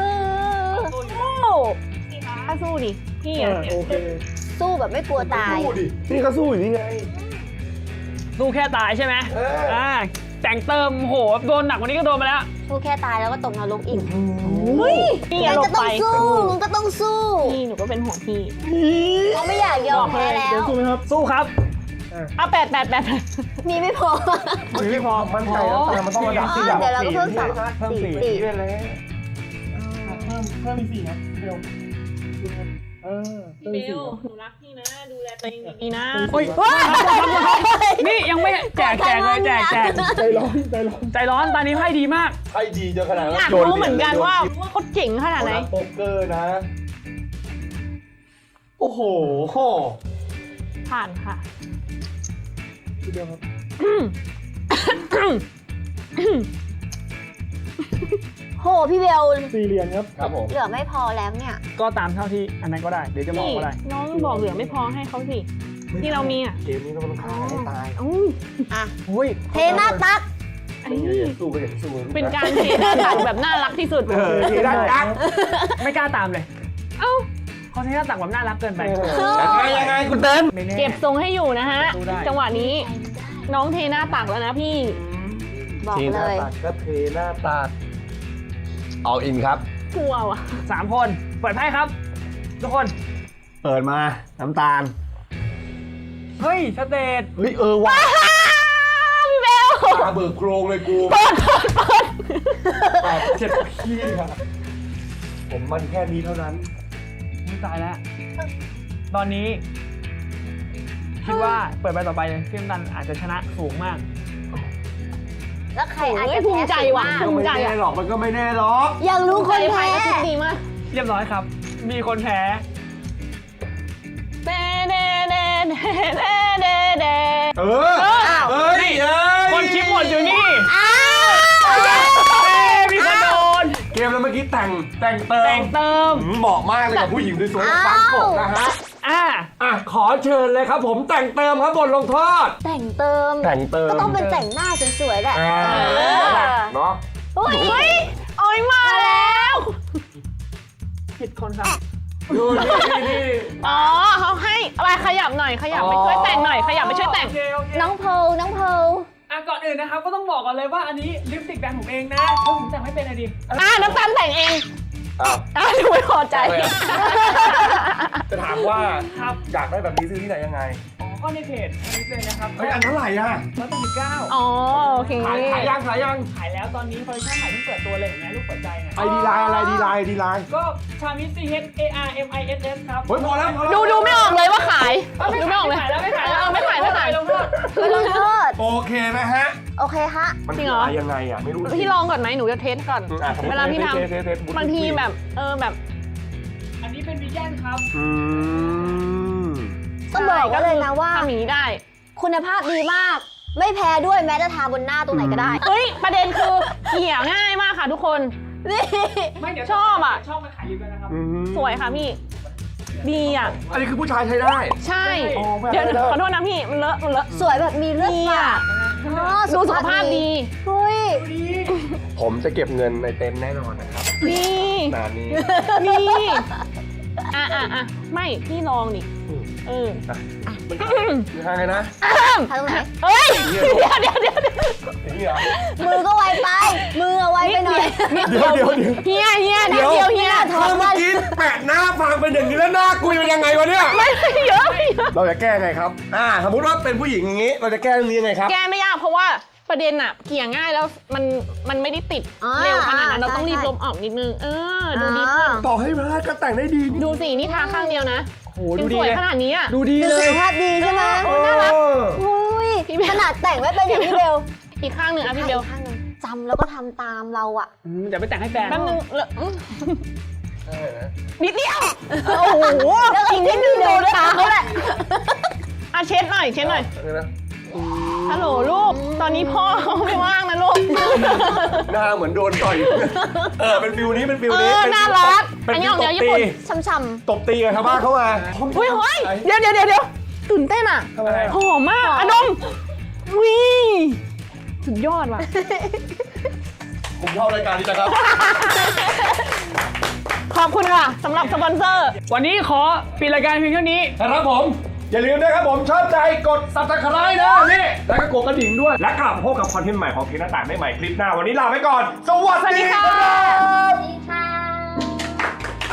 [SPEAKER 2] ถ้าสู้ดิพี่
[SPEAKER 6] โอเค
[SPEAKER 5] สู้แบบไม่กลัวตาย
[SPEAKER 1] นี่ก็สู้อยู่นี่ไง
[SPEAKER 3] สู้แค่ตายใช่ไหมแต่งเติมโหโดนหนักกว่านี้ก็โดนมาแล้ว
[SPEAKER 5] สู้แค่ตายแล้วก็ตกนรกอีก
[SPEAKER 2] พี่อย่า
[SPEAKER 5] งั้น
[SPEAKER 2] หล
[SPEAKER 5] ก็
[SPEAKER 2] บ
[SPEAKER 5] ต้
[SPEAKER 2] ไป
[SPEAKER 5] องสู้มึงก็ต้องสู้
[SPEAKER 2] พี่หนูก็เป็นห่วงพี่
[SPEAKER 5] เขาไม่อยากยอมแพ้แล้
[SPEAKER 6] เดี๋ยว
[SPEAKER 5] ว
[SPEAKER 6] สู้ไหมครับ
[SPEAKER 3] สู้ครับ
[SPEAKER 2] อ่ะแปด
[SPEAKER 5] มีไม่พอ
[SPEAKER 1] ไม่พอมันใจแล้วแต่มันต้องระดับที่
[SPEAKER 5] เดี๋ยวเราก็เพิ่มสอง
[SPEAKER 1] เพิ่ม
[SPEAKER 5] สี่
[SPEAKER 1] 4ได้เลย
[SPEAKER 6] เพิ่มอีก4ครับเบลเพิ่มอีก4ครับ
[SPEAKER 2] หนูรักพี่นะดูแลตัวเองดีนะ
[SPEAKER 3] โอ้ยนี่ยังไม่แจกเลยแจก
[SPEAKER 6] ใจร้อน
[SPEAKER 3] ใจร้อนตอนนี้ไพ่ดีมาก
[SPEAKER 1] ไพ่ดีจนขนาด
[SPEAKER 2] อยากรู้เหมือนกันว่าเขาเจ๋งขนาดไหน
[SPEAKER 1] โป๊กเกอร์นะ โอ้โห
[SPEAKER 2] ผ่านค่ะ
[SPEAKER 6] พี่เบลครับ
[SPEAKER 5] โหพี่เบล
[SPEAKER 6] 4 เหรียญครับ
[SPEAKER 1] ครับผม
[SPEAKER 5] เหลือไม่พอแล้วเนี่ย
[SPEAKER 3] ก็ตามเท่าที่อันนั้นก็ได้เดี๋ยวจะบอก
[SPEAKER 2] พี่
[SPEAKER 3] ก็ได้
[SPEAKER 2] น้องบอกเหลือไม่พอให้เขาสิ ที่เรามีอ่ะ
[SPEAKER 1] เกมนี้ต้องฆ่าให้ตาย
[SPEAKER 2] อู้
[SPEAKER 5] อ่ะ
[SPEAKER 3] โอ้ย
[SPEAKER 5] เทหน้าตัก
[SPEAKER 2] อัน
[SPEAKER 1] ไม่
[SPEAKER 2] นี้
[SPEAKER 1] อยากสู้ก็อยากสู้
[SPEAKER 2] เป็นการเทหน้าตักแบบน่ารักที่สุด
[SPEAKER 1] ทีด้านยักษ์
[SPEAKER 3] ไม่กล้าตามเลยเอ้าเขาใช้หน้าตักแบบน่ารักเกินไป
[SPEAKER 1] ยังไงคุณเต้น
[SPEAKER 3] ไม่แน่
[SPEAKER 2] เก็บทรงให้อยู่นะฮะ
[SPEAKER 3] สู้ได้
[SPEAKER 2] จังหวะนี้น้องเทหน้าตักแล้วนะพี่
[SPEAKER 5] บอก
[SPEAKER 1] ทีห
[SPEAKER 5] เล
[SPEAKER 1] น้าย ตักก็เทหน้าตักเอาอินครับ
[SPEAKER 2] กลัวว่ะ
[SPEAKER 3] 3 คนเปิดไพ่ครับ ทุกคน
[SPEAKER 1] เปิดมาน้ำตาล
[SPEAKER 3] เฮ้ยสเตท
[SPEAKER 1] เฮ้ยว่ะ
[SPEAKER 2] พี่เบล
[SPEAKER 1] ตาเบิกโครงเลยกู
[SPEAKER 2] เปิด
[SPEAKER 1] เจ็บขี้ครับผมมันแค่นี้เท่านั้น
[SPEAKER 3] ไม่ตายแล้ว ตอนนี้ คิดว่าเปิดใบต่อไปเลยพี่น้ำตาลอาจจะชนะสูงมาก
[SPEAKER 5] แล้วใครอาจ
[SPEAKER 2] เฮ้ย
[SPEAKER 5] จะ
[SPEAKER 2] ภู
[SPEAKER 5] แพ้
[SPEAKER 2] มิใจว่ะ
[SPEAKER 5] สูง
[SPEAKER 2] ภู
[SPEAKER 5] มาก
[SPEAKER 2] มิใจ
[SPEAKER 1] ไม่แน่
[SPEAKER 2] อ่ะ
[SPEAKER 1] หรอกมันก็ไม่แน่หรอก
[SPEAKER 5] อยากรู้คน
[SPEAKER 2] ไฟ
[SPEAKER 5] แพ้
[SPEAKER 2] ก็คิดดีมาก
[SPEAKER 3] เรียบร้อยครับ มีคนแพ้
[SPEAKER 2] เดเดเดเดเดเดเด
[SPEAKER 1] เฮ้ย
[SPEAKER 3] คนคลิปหมดอยู่นี่
[SPEAKER 5] อ้าว
[SPEAKER 3] มีคนโดน
[SPEAKER 1] เกมแล้วเมื่อกี้แต่งเติ
[SPEAKER 3] แต่
[SPEAKER 1] ม
[SPEAKER 3] งเติม
[SPEAKER 1] เหมาะมากเลยกับผู้หญิงสวยๆฟังกบนะฮะ
[SPEAKER 3] อ่ะ
[SPEAKER 1] ขอเชิญเลยครับผมแต่งเติมครับบทลงโทษ
[SPEAKER 5] แต่งเติม
[SPEAKER 1] แต่งเติม
[SPEAKER 5] ก็ต้องเป็นแต่งหน้าสวยๆแหละ
[SPEAKER 1] เนาะ
[SPEAKER 2] เฮ้ยโอ้ยมาแล้ว
[SPEAKER 3] ผิดคนครับ
[SPEAKER 1] ดูนี่
[SPEAKER 2] อ๋อเขาให้อะไรขยับหน่อยขยับไปช่วยแต่งหน่อยขยับไปช่วยแต่ง
[SPEAKER 3] โอเคโอเค
[SPEAKER 5] น้องเพร์ลน้องเพร์ล
[SPEAKER 3] ก่อนอื่นนะครับก็ต้องบอกก่อนเลยว่าอันนี้ลิปสติกแบรนด์ผมเองนะเพราะผมแต่งไม่เป็นอะดิ
[SPEAKER 2] น้ำตาลแต่งเอง
[SPEAKER 1] อ้าว
[SPEAKER 2] หนูไม่พอใจ
[SPEAKER 1] จะถามว่าถ้าอยากได้แบบนี้ซื้อที่ไหนยังไง
[SPEAKER 3] อ๋อก็ในเพจอันนี้เลยนะครับ
[SPEAKER 1] เฮ้ยอันเท่าไหร่อ่ะ
[SPEAKER 3] 189
[SPEAKER 2] อ๋อโอเค
[SPEAKER 1] ขายยัง
[SPEAKER 3] ขายแล้วตอนนี้คอลเลคชั่นใหม่เพิ่งเปิดตัวเลยเห็นไหมลูกเปิดใจเนี่ย
[SPEAKER 1] ไอดีไลน์อะไรดีไลน์
[SPEAKER 3] ก็ชามิส CHARMISS ครับ
[SPEAKER 1] เฮ้ยพอแล้ว
[SPEAKER 2] ดูไม่ออกเลยว่าขายดูไม่ออกเลย
[SPEAKER 3] ขายแล้วไม่ขายแล้ว
[SPEAKER 2] ไม่ขายไม่ขาย
[SPEAKER 3] ลงโทษ
[SPEAKER 5] ไม่ต้องโทษ
[SPEAKER 1] โอเคนะฮะ
[SPEAKER 5] โอเคฮะ
[SPEAKER 1] มัน
[SPEAKER 2] จริ
[SPEAKER 1] คื
[SPEAKER 2] ง
[SPEAKER 1] อ
[SPEAKER 2] เหรอ
[SPEAKER 1] อะไรยังไงอ่ะไม่รู้
[SPEAKER 2] พี่ลองก่อนไหมหนูจะเทสก่อน เวลาพี่ทำบางทีแบบแบบ
[SPEAKER 3] อันนี้เป็นวีแกนครับ
[SPEAKER 5] ต้องบอกไว้เลยนะว่า
[SPEAKER 2] ทำอย่างนี้ได้
[SPEAKER 5] คุณภาพดีมาก ไม่แพ้ด้วยแม้จะทาบนหน้าตรงไหนก็ได้
[SPEAKER 2] เฮ้ยประเด็นคือเขี่ยง่ายมากค่ะทุกคน
[SPEAKER 5] นี่
[SPEAKER 3] ไม่เดี๋ยว
[SPEAKER 2] ชอบอ่ะ
[SPEAKER 3] ชอบมาขายอยู่ด้วยนะครับ
[SPEAKER 2] สวยค่ะพี่ ดีอ่ะ
[SPEAKER 1] อันนี้คือผู้ชายใช้ได้
[SPEAKER 2] ใช่
[SPEAKER 1] อ๋อไม่
[SPEAKER 2] เดี๋ยว
[SPEAKER 1] ได้
[SPEAKER 2] ขอโทษนะพี่มันเลอะ
[SPEAKER 5] สวยแบบมีเลือด
[SPEAKER 2] ดี
[SPEAKER 5] ฝา
[SPEAKER 2] อ่ะ
[SPEAKER 5] ด
[SPEAKER 2] ดูสุขภาพดี
[SPEAKER 5] เฮ้ย
[SPEAKER 1] ผมจะเก็บเงินในเต็นท์แน่นอนนะครับ
[SPEAKER 2] นี่
[SPEAKER 1] นานนี้
[SPEAKER 2] นี่อ่ะไม่พี่ลองดิเออ
[SPEAKER 1] ยังไงนะ
[SPEAKER 5] ทำตรงไหน
[SPEAKER 2] เฮ้ยเดี๋ยว
[SPEAKER 1] นี่เหรอ
[SPEAKER 5] มือก็ไวไป มือไวไปหน่อย
[SPEAKER 1] เดี๋ยว
[SPEAKER 2] เฮียเฮีย
[SPEAKER 5] ถอด
[SPEAKER 1] เมื่อกี้แปะหน้าฟังเป็นอย่างนี้แล้วหน้ากุยเป็นยังไงวะเนี่ย
[SPEAKER 2] ไม่เยอะ
[SPEAKER 1] เราจะแก้ไงครับ สมมติว่าเป็นผู้หญิงอย่างนี้ เราจะแก้เรื่องนี้ยังไงครับ
[SPEAKER 2] แก้ไม่ยากเพราะว่าประเด็นอะเกลี่ยง่ายแล้วมันไม่ได้ติดเร็วขนาดนั้นเราต้องรีบลบออกนิดนึงดูดีขึ้น
[SPEAKER 1] ต่อให้พลาดก็แต่งได้ดี
[SPEAKER 2] ดูสินี่ทาข้างเดียวนะ
[SPEAKER 3] โอ้โห
[SPEAKER 2] ยั
[SPEAKER 3] ดู
[SPEAKER 2] ง
[SPEAKER 3] ดี
[SPEAKER 2] สวย
[SPEAKER 3] เลย
[SPEAKER 2] ขนาดนี้อะ
[SPEAKER 3] ดูดี
[SPEAKER 5] ดู
[SPEAKER 3] เล
[SPEAKER 5] สุ
[SPEAKER 3] ย
[SPEAKER 5] ขภาพดีใช่ไหม
[SPEAKER 2] น่ารัก
[SPEAKER 5] อุ้ย
[SPEAKER 2] พี่เบล
[SPEAKER 5] ขนาดแต่งไม่เป็นอย่างพี่เบล
[SPEAKER 2] อีกข้างหนึ่งอะพี่เบล
[SPEAKER 5] ข้างหนึ่งจำแล้วก็ทำตามเราอ่ะ
[SPEAKER 3] อย่าไปแต่งให้แฟน
[SPEAKER 2] แป๊บนึงนิดเดียวโอ้โห
[SPEAKER 5] แล้ว
[SPEAKER 2] อีกนิดนึงโดนตาเขาแหละอ่ะเช็ดหน่อยฮัลโหลลูกตอนนี้พ่อไม่ว่างนะลูก
[SPEAKER 1] หน้าเหมือนโดนต่อย เป็นฟิวนี้ เป็นฟิวนี้
[SPEAKER 2] น่ารัก
[SPEAKER 1] เป็น
[SPEAKER 2] อันนี้
[SPEAKER 1] ฟิ
[SPEAKER 2] อ
[SPEAKER 1] ว
[SPEAKER 2] อก
[SPEAKER 1] ต
[SPEAKER 2] แน
[SPEAKER 1] บ
[SPEAKER 2] วญี่
[SPEAKER 1] ตี
[SPEAKER 2] ปุ่น
[SPEAKER 5] ช่ำ
[SPEAKER 1] ตบตีกับชาวบ้านเข้ามา
[SPEAKER 2] เฮ้ยเดี๋ยวตื่นเต้นอ่ะ
[SPEAKER 1] ทำอะไร
[SPEAKER 2] หอมมากอะดมวิสุดยอดว่ะ
[SPEAKER 1] ผมชอบรายการนี้จังครับ
[SPEAKER 2] ขอบคุณค่ะสำหรับสปอนเซอร์
[SPEAKER 3] วันนี้ขอปิดรายการเพียงเท่านี้
[SPEAKER 1] ครับผม อย่าลืมนะครับผมชอบใจกด subscribe นะนี่แล้วก็กดกระดิ่งด้วย และกลับมาพบกับคอนเทนต์ใหม่ของเพียงหน้าต่างได้ใหม่คลิปหน้า วันนี้ลาไปก่อน สวัสดีครับ
[SPEAKER 5] ๆค่ะ